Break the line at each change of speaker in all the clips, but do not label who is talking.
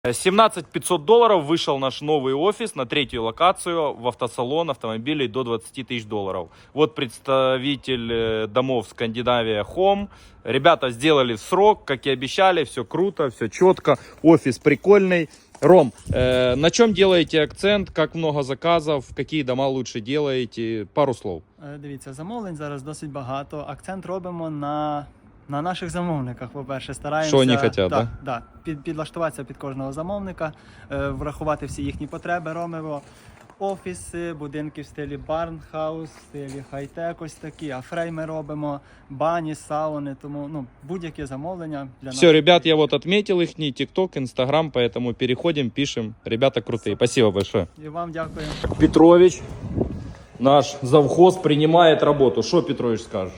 17 500 долларов вышел наш новый офис на третью локацию в автосалон автомобилей до 20 тысяч долларов. Вот представитель домов Скандинавия Home. Ребята сделали в срок, как и обещали, все круто, все четко, офис прикольный. Ром, на чем делаете акцент, как много заказов, какие дома лучше делаете? Пару слов.
Дивіться, замовлень зараз досить багато. Акцент робимо на наших замовниках, по-перше, стараємося
Що вони хочуть,
да? Підлаштуватися під кожного замовника, врахувати всі їхні потреби. Робимо офіси, будинки в стилі барнхаус, в стилі хай-тек, ось такі, а фрейми робимо, бані, сауни, тому будь-яке замовлення для нас.
Все, ребят, я вот отметил их, ТикТок, Инстаграм, поэтому переходим, пишем. Ребята крутые, спасибо большое.
І вам дякую.
Петрович, наш завхоз, принимает работу. Что, Петрович, скажешь?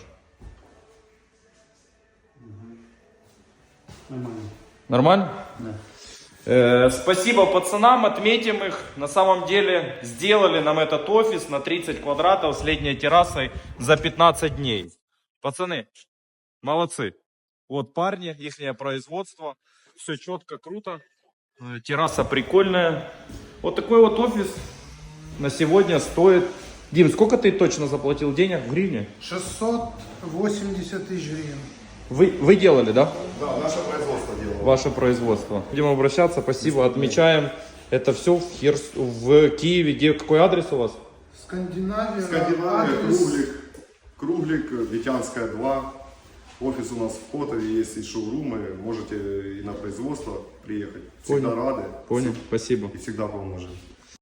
Нормально? Да. Спасибо пацанам, отметим их. На самом деле сделали нам этот офис на 30 квадратов с летней террасой за 15 дней. Пацаны, молодцы. Вот парни, их производство. Все четко, круто. Терраса прикольная. Вот такой вот офис на сегодня стоит... Дим, сколько ты точно заплатил денег в гривне?
680 тысяч гривен.
Вы делали, да?
Да, наше производство делало.
Ваше производство. Будем обращаться, спасибо, отмечаем. Это все в Киеве. Где, какой адрес у вас?
Скандинавия,
Скандинавия, Круглик, Витянская 2. Офис у нас в Котове, есть и шоурумы. Можете и на производство приехать. Всегда
Понял.
рады.
Понял, спасибо.
И всегда поможем.